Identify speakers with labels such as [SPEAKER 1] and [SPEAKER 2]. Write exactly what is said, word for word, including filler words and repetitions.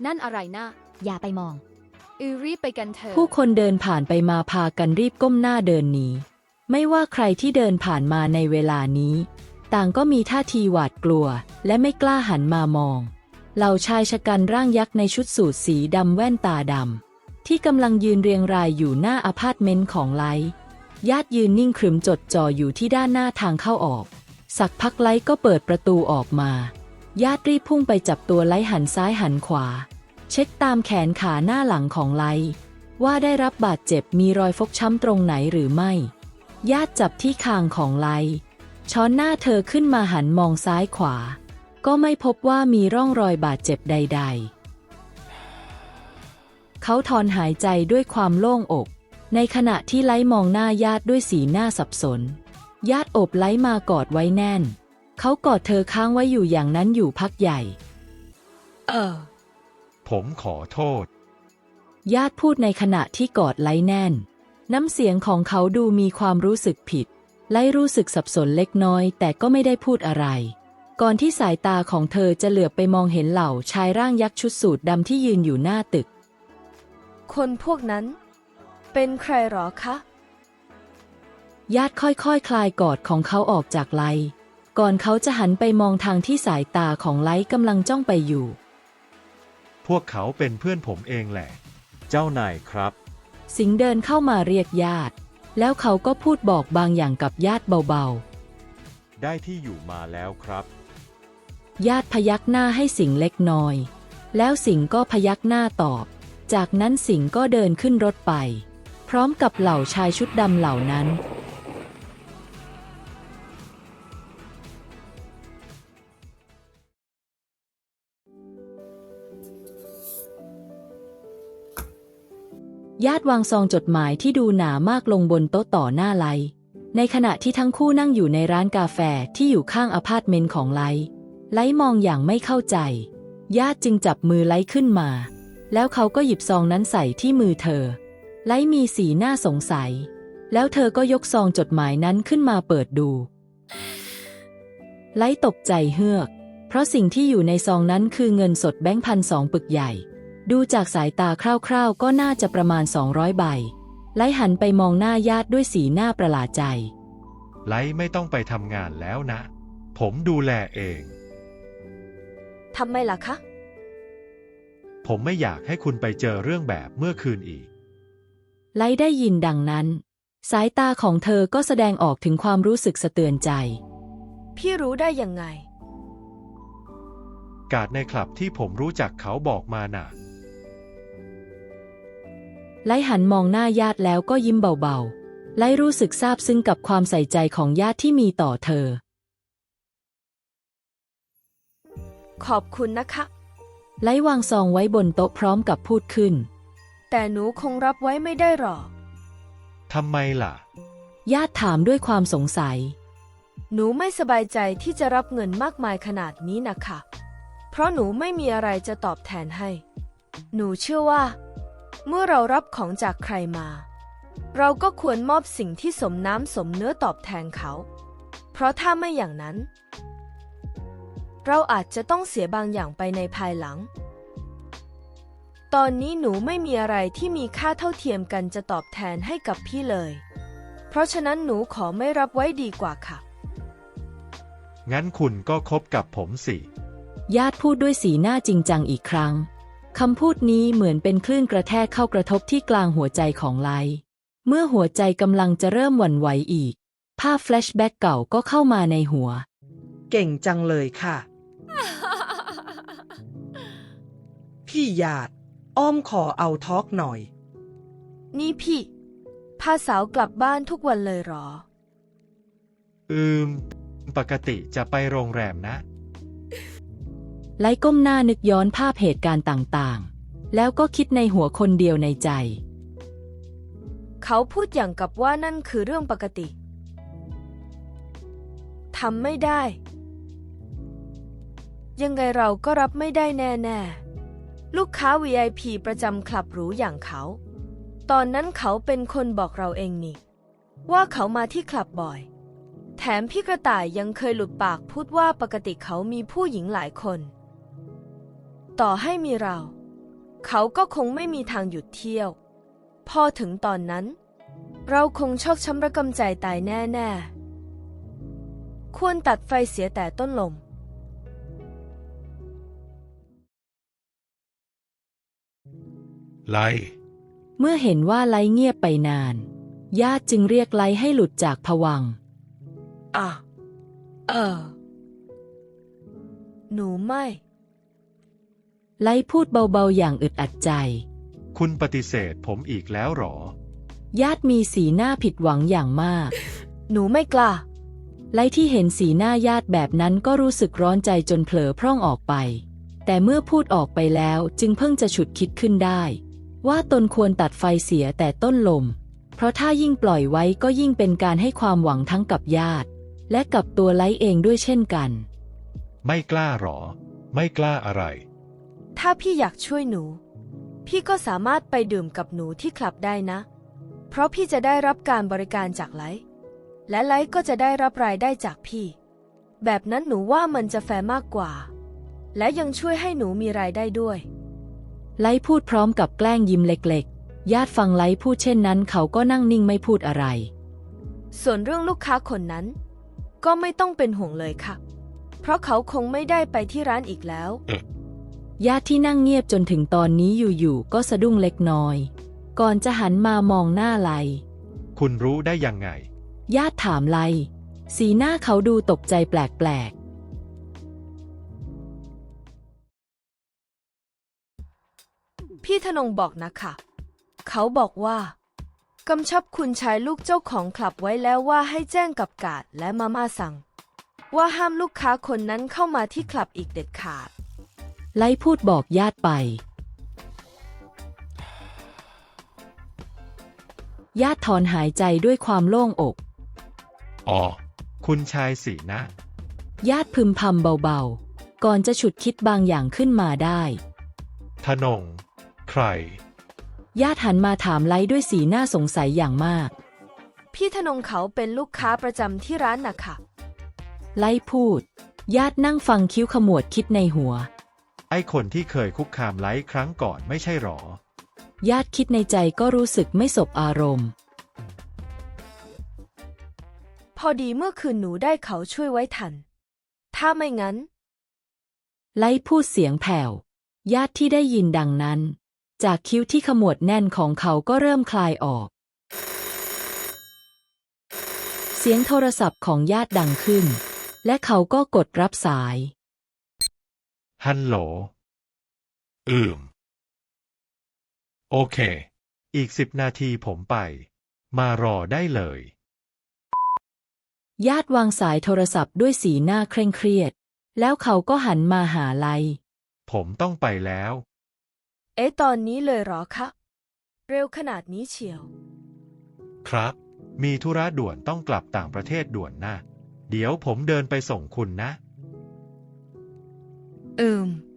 [SPEAKER 1] นั่นอะไรนะ
[SPEAKER 2] อย่าไปมอง
[SPEAKER 1] อือรีบไปกันเถอะ
[SPEAKER 3] ผู้คนเดินผ่านไปมาพากันรีบก้มหน้าเดินหนีไม่ว่าใครที่เดินผ่านมาในเวลานี้ ต่างก็มีท่าทีหวาดกลัวและไม่กล้าหันมามองเหล่าชายชะกันร่างยักษ์ในชุดสูทสีดำแว่นตาดำที่กำลังยืนเรียงรายอยู่หน้าอพาร์ตเมนต์ของไลท์ญาติยืนนิ่งขรึมจดจ่ออยู่ที่ด้านหน้าทางเข้าออกสักพักไลท์ก็เปิดประตูออกมาญาติรีบพุ่งไปจับตัวไลท์หันซ้ายหันขวาเช็คตามแขนขาหน้าหลังของไลท์ว่าได้รับบาดเจ็บมีรอยฟกช้ำตรงไหนหรือไม่ญาติจับที่คางของไลท์ช้อนหน้าเธอขึ้นมาหันมองซ้ายขวาก็ไม่พบว่ามีร่องรอยบาดเจ็บใดๆเขาถอนหายใจด้วยความโล่งอกในขณะที่ไลท์มองหน้าญาติด้วยสีหน้าสับสนญาติโอบไลท์มากอดไว้แน่นเขากอดเธอค้างไว้อยู่อย่างนั้นอยู่พักใหญ่เออ
[SPEAKER 4] ผมขอโทษ
[SPEAKER 3] ญาติพูดในขณะที่กอดไลท์แน่นน้ำเสียงของเขาดูมีความรู้สึกผิดไลท์รู้สึกสับสนเล็กน้อยแต่ก็ไม่ได้พูดอะไรก่อนที่สายตาของเธอจะเหลือบไปมองเห็นเหล่าชายร่างยักษ์ชุดสูทดำที่ยืนอยู่หน้าตึก
[SPEAKER 5] คนพวกนั้นเป็นใครหรอคะ
[SPEAKER 3] ญาติค่อยๆ ค, คลายกอดของเขาออกจากไลท์ก่อนเขาจะหันไปมองทางที่สายตาของไลท์กำลังจ้องไปอยู่
[SPEAKER 4] พวกเขาเป็นเพื่อนผมเองแหละเจ้านายครับ
[SPEAKER 3] สิงห์เดินเข้ามาเรียกญาติแล้วเขาก็พูดบอกบางอย่างกับญาติเบา
[SPEAKER 4] ๆได้ที่อยู่มาแล้วครับ
[SPEAKER 3] ญาติพยักหน้าให้สิงห์เล็กน้อยแล้วสิงห์ก็พยักหน้าตอบจากนั้นสิงห์ก็เดินขึ้นรถไปพร้อมกับเหล่าชายชุดดำเหล่านั้นญาติวางซองจดหมายที่ดูหนามากลงบนโต๊ะต่อหน้าไลท์ในขณะที่ทั้งคู่นั่งอยู่ในร้านกาแฟที่อยู่ข้างอพาร์ตเมนต์ของไลท์ไลท์มองอย่างไม่เข้าใจญาติจึงจับมือไลท์ขึ้นมาแล้วเขาก็หยิบซองนั้นใส่ที่มือเธอไลท์มีสีหน้าสงสัยแล้วเธอก็ยกซองจดหมายนั้นขึ้นมาเปิดดูไลท์ตกใจเฮือกเพราะสิ่งที่อยู่ในซองนั้นคือเงินสดแบงค์พันสองปึกใหญ่ดูจากสายตาคร่าวๆก็น่าจะประมาณสองร้อยใบไลท์หันไปมองหน้าญาติด้วยสีหน้าประหลาดใจ
[SPEAKER 4] ไลท์ไม่ต้องไปทำงานแล้วนะผมดูแลเอง
[SPEAKER 5] ทำไมล่ะคะ
[SPEAKER 4] ผมไม่อยากให้คุณไปเจอเรื่องแบบเมื่อคืนอีก
[SPEAKER 3] ไลท์ได้ยินดังนั้นสายตาของเธอก็แสดงออกถึงความรู้สึกสะเทือนใจ
[SPEAKER 5] พี่รู้ได้ยังไง
[SPEAKER 4] การ์ดในคลับที่ผมรู้จักเขาบอกมาน่ะ
[SPEAKER 3] ไลท์หันมองหน้าญาติแล้วก็ยิ้มเบาๆไลท์รู้สึกซาบซึ้งกับความใส่ใจของญาติที่มีต่อเธอ
[SPEAKER 5] ขอบคุณนะคะ
[SPEAKER 3] ไลท์วางซองไว้บนโต๊ะพร้อมกับพูดขึ้น
[SPEAKER 5] แต่หนูคงรับไว้ไม่ได้หรอก
[SPEAKER 4] ทำไมล่ะ
[SPEAKER 3] ญาติถามด้วยความสงสัย
[SPEAKER 5] หนูไม่สบายใจที่จะรับเงินมากมายขนาดนี้นะคะเพราะหนูไม่มีอะไรจะตอบแทนให้หนูเชื่อว่าเมื่อเรารับของจากใครมาเราก็ควรมอบสิ่งที่สมน้ำสมเนื้อตอบแทนเขาเพราะถ้าไม่อย่างนั้นเราอาจจะต้องเสียบางอย่างไปในภายหลังตอนนี้หนูไม่มีอะไรที่มีค่าเท่าเทียมกันจะตอบแทนให้กับพี่เลยเพราะฉะนั้นหนูขอไม่รับไว้ดีกว่าค่ะ
[SPEAKER 4] งั้นคุณก็คบกับผมสิ
[SPEAKER 3] ญาติพูดด้วยสีหน้าจริงจังอีกครั้งคำพูดนี้เหมือนเป็นคลื่นกระแทกเข้ากระทบที่กลางหัวใจของไลท์เมื่อหัวใจกำลังจะเริ่มหวั่นไหวอีกภาพแฟลชแบ็กเก่าก็เข้ามาในหัว
[SPEAKER 6] เก่งจังเลยค่ะ พี่ญาติอ้อมขอเอาทอล์กหน่อย
[SPEAKER 5] นี่พี่พาสาวกลับบ้านทุกวันเลยหรอ
[SPEAKER 4] อืมปกติจะไปโรงแรมนะ
[SPEAKER 3] ไลท์ก้มหน้านึกย้อนภาพเหตุการณ์ต่างๆแล้วก็คิดในหัวคนเดียวในใจ
[SPEAKER 5] เขาพูดอย่างกับว่านั่นคือเรื่องปกติทำไม่ได้ยังไงเราก็รับไม่ได้แน่ๆลูกค้า วี ไอ พี ประจำคลับหรูอย่างเขาตอนนั้นเขาเป็นคนบอกเราเองนี่ว่าเขามาที่คลับบ่อยแถมพี่กระต่ายยังเคยหลุดปากพูดว่าปกติเขามีผู้หญิงหลายคนต่อให้มีเราเขาก็คงไม่มีทางหยุดเที่ยว พอถึงตอนนั้น เราคงชอกช้ำระกำใจตายแน่ๆ ควรตัดไฟเสียแต่ต้นลม
[SPEAKER 4] ไล
[SPEAKER 3] เมื่อเห็นว่าไลเงียบไปนาน ญาติจึงเรียกไลให้หลุดจากภวังค์
[SPEAKER 6] อ่ะ เออ
[SPEAKER 5] หนูไม่
[SPEAKER 3] ไลพูดเบาๆอย่างอึดอัดใจ
[SPEAKER 4] คุณปฏิเสธผมอีกแล้วหรอ
[SPEAKER 3] ญาติมีสีหน้าผิดหวังอย่างมาก
[SPEAKER 5] หนูไม่กล้า
[SPEAKER 3] ไลที่เห็นสีหน้าญาติแบบนั้นก็รู้สึกร้อนใจจนเผลอพร่องออกไป แต่เมื่อพูดออกไปแล้วจึงเพิ่งจะฉุดคิดขึ้นได้ ว่าตนควรตัดไฟเสียแต่ต้นลม เพราะถ้ายิ่งปล่อยไว้ก็ยิ่งเป็นการให้ความหวังทั้งกับญาติ และกับตัวไลเองด้วยเช่นกัน
[SPEAKER 4] ไม่กล้าหรอ ไม่กล้าอะไร
[SPEAKER 5] ถ้าพี่อยากช่วยหนู พี่ก็สามารถไปดื่มกับหนูที่คลับได้นะ เพราะพี่จะได้รับการบริการจากไลท์และไลท์ก็จะได้รับรายได้จากพี่ แบบนั้นหนูว่ามันจะแฟร์มากกว่า และยังช่วยให้หนูมีรายได้ด้วย
[SPEAKER 3] ไลพูดพร้อมกับแกล้งยิ้มเล็กๆ ญาติฟังไลพูดเช่นนั้นเขาก็นั่งนิ่งไม่พูดอะไร
[SPEAKER 5] ส่วนเรื่องลูกค้าคนนั้น ก็ไม่ต้องเป็นห่วงเลยค่ะ เพราะเขาคงไม่ได้ไปที่ร้านอีกแล้ว
[SPEAKER 3] ญาติที่นั่งเงียบจนถึงตอนนี้อยู่ๆก็สะดุ้งเล็กน้อย ก่อนจะหันมามองหน้าไล
[SPEAKER 4] คุณรู้ได้ยังไง
[SPEAKER 3] ญาติถามไล สีหน้าเขาดูตกใจแปลก
[SPEAKER 5] พี่ธนงบอกนะคะ เขาบอกว่ากำชับคุณชายลูกเจ้าของคลับไว้แล้วว่าให้แจ้งกับกาดและมาม่าสั่ง ว่าห้ามลูกค้าคนนั้นเข้ามาที่คลับอีกเด็ดขาด
[SPEAKER 3] ๆ ไลพูดบอกญาติไป ญาติถอนหายใจด้วยความโล่งอก
[SPEAKER 4] อ๋อ คุณชายสีนะ
[SPEAKER 3] ญาติพึมพำเบาๆ ก่อนจะฉุดคิดบางอย่างขึ้นมาได้
[SPEAKER 4] ธนง ใคร
[SPEAKER 3] ญาติหันมาถามไลด้วยสีหน้าสงสัยอย่างมาก
[SPEAKER 5] พี่ธนงเขาเป็นลูกค้าประจำที่ร้านนะคะ
[SPEAKER 3] ไลพูด ญาตินั่งฟังคิ้วขมวดคิดในหัว
[SPEAKER 4] ไอ้คนที่เคยคุกคามไลท์ครั้งก่อนไม่ใช่หรอ
[SPEAKER 3] ญาติคิดในใจก็รู้สึกไม่สบอารมณ์
[SPEAKER 5] พอดีเมื่อคืนหนูได้เขาช่วยไว้ทัน ถ้าไม่งั้น
[SPEAKER 3] ไลพูดเสียงแผ่ว ญาติที่ได้ยินดังนั้น จากคิ้วที่ขมวดแน่นของเขาก็เริ่มคลายออก เสียงโทรศัพท์ของญาติดังขึ้น และเขาก็กดรับสาย
[SPEAKER 4] ฮัลโหล อืม โอเค อีกสิบนาทีผมไป มารอได้เลย
[SPEAKER 3] ญาติวางสายโทรศัพท์ด้วยสีหน้าเคร่งเครียด แล้วเขาก็หันมาหาไล
[SPEAKER 4] ผมต้องไปแล้ว
[SPEAKER 5] เอ๊ะตอนนี้เลยเหรอคะ เร็วขนาดนี้เชียว
[SPEAKER 4] ครับ มีธุระด่วนต้องกลับต่างประเทศด่วนนะ เดี๋ยวผมเดินไปส่งคุณนะ
[SPEAKER 5] อืม